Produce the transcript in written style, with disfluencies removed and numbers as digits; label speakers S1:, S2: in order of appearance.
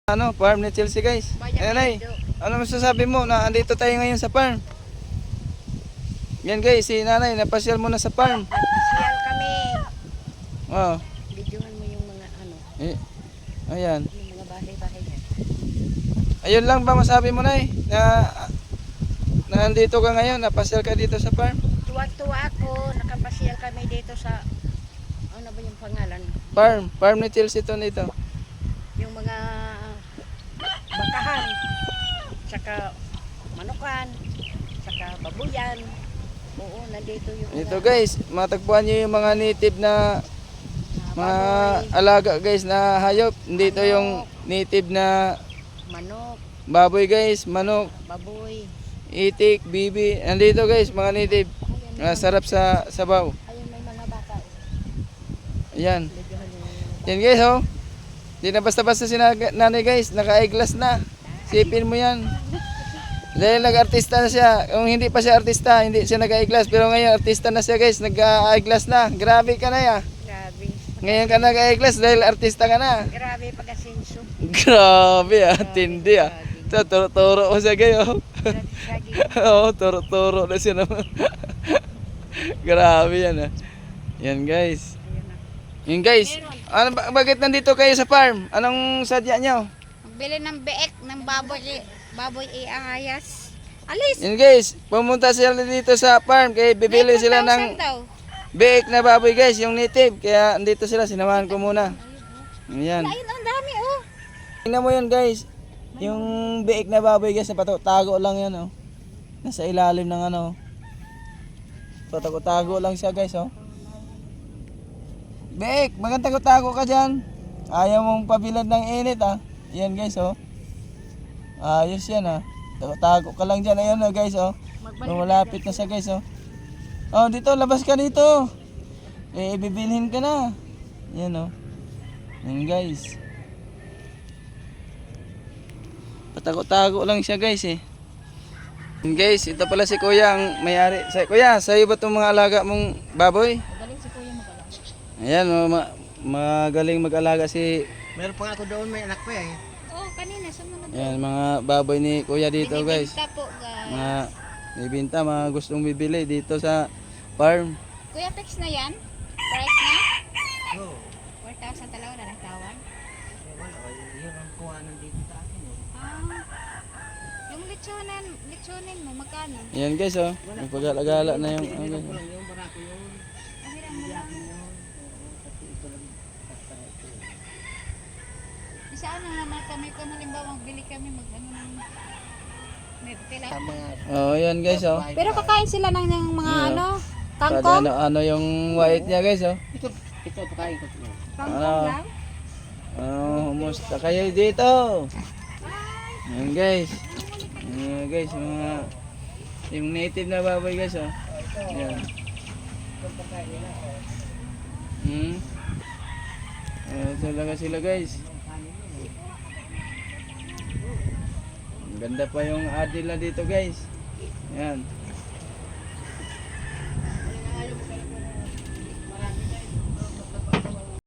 S1: Ano, farm ni Chelsea guys. Ayan ay. Ano masasabi mo na andito tayo ngayon sa farm? Yan guys, si nanay napasyal muna sa farm.
S2: Napasyal kami.
S1: Oh.
S2: Videohan mo yung mga ano.
S1: Ayan.
S2: Yung mga bahay-bahay niya.
S1: Ayun lang ba masabi mo nay na andito ka ngayon, napasyal ka dito sa farm?
S2: Tuwa-tuwa ako, nakapasyal kami dito sa ano ba yung pangalan?
S1: Farm ni Chelsea to nito.
S2: Yung mga bakahan, saka manukan, saka babuyan. Oo, nandito yung
S1: Ito guys, matagpuan niyo yung mga native na mga alaga guys na hayop. Dito yung native na
S2: manok,
S1: baboy guys, manok,
S2: baboy.
S1: itik, bibi. Nandito guys, mga native. Sarap sa sabaw.
S2: Ayun may mga baka.
S1: Ayan.
S2: Videohan yung
S1: Yan guys oh. Hindi na basta-basta si nanay guys, naka-eyeglass na. Sipin mo yan. Dahil nag-artista na siya. Kung hindi pa siya artista, hindi siya nag-eyeglass. Pero ngayon, artista na siya guys, nag-eyeglass na. Grabe ka na ya.
S2: grabe.
S1: Ngayon ka nag-eyeglass dahil artista ka na.
S2: Grabe pag-asenso.
S1: Grabe ah, tindi ah. Ito, turo-turo ko siya kayo. Oo, turo-turo na siya naman. Grabe yan ah. Yan guys.
S2: Ayun na.
S1: Yan guys. Ano, bakit nandito kayo sa farm? Anong sadya nyo?
S3: Bili ng beek ng baboy iangayas. Alis!
S1: Yan guys, pumunta sila dito sa farm kaya bibili sila ng
S3: daw.
S1: biik na baboy guys, yung native. Kaya andito sila, sinamahan ko muna. Ayan.
S3: Ayun, ang dami oh.
S1: Tingnan mo yan guys. Yung biik na baboy guys, tago lang yan oh. Nasa ilalim ng ano. Tago lang siya guys oh. Biik, magandang tago ka dyan. Ayaw mong pabilad ng init ah. Yan guys oh. Ayos yan ah. Tago ka lang dyan. Ayan oh guys oh. Malapit na siya guys oh. Oh dito, labas ka dito. Ibibilhin ka na. Yan oh. Yan guys. Patago-tago lang siya guys eh. Yan guys, ito pala si kuya ang may-ari. Kuya, sa'yo ba itong mga alaga mong baboy?
S2: Magaling si Kuya mag-alaga.
S1: Ayan, magaling mag-alaga si...
S2: Meron pa nga ako doon, may anak ko eh.
S3: Oh, kanina sa mga
S1: Ayan, mga baboy ni kuya dito guys.
S3: binibinta po guys.
S1: Mga bibinta, mga gustong bibili dito sa farm.
S3: Kuya, fix na yan? Price na?
S2: Oo.
S3: 4,000 talaga na nagtawag.
S2: Wala, yun ang kuha nandito sa akin eh.
S3: Yung lechonin mo, magkano?
S1: Ayan guys oh, nagpag-alagala na yung... ano, guys.
S2: Yung barako yun.
S3: Ahiran mo lang.
S2: Kasi ito lang.
S3: Isa ano naman kami, kung halimbawa magbili kami, mag-ano ng... May pila.
S1: Oh, ayan guys oh.
S3: Pero kakain sila ng mga
S1: Yeah.
S3: ano,
S1: Kada
S3: kangkong?
S1: ano yung white niya guys oh.
S2: Ito pakain ko.
S3: Kangkong lang?
S1: Kumusta kayo dito? Ayan guys. Ayan guys, yung native na baboy guys oh. Ayan. Ayan talaga sila guys. Ang ganda pa yung adil na dito guys. Ayan.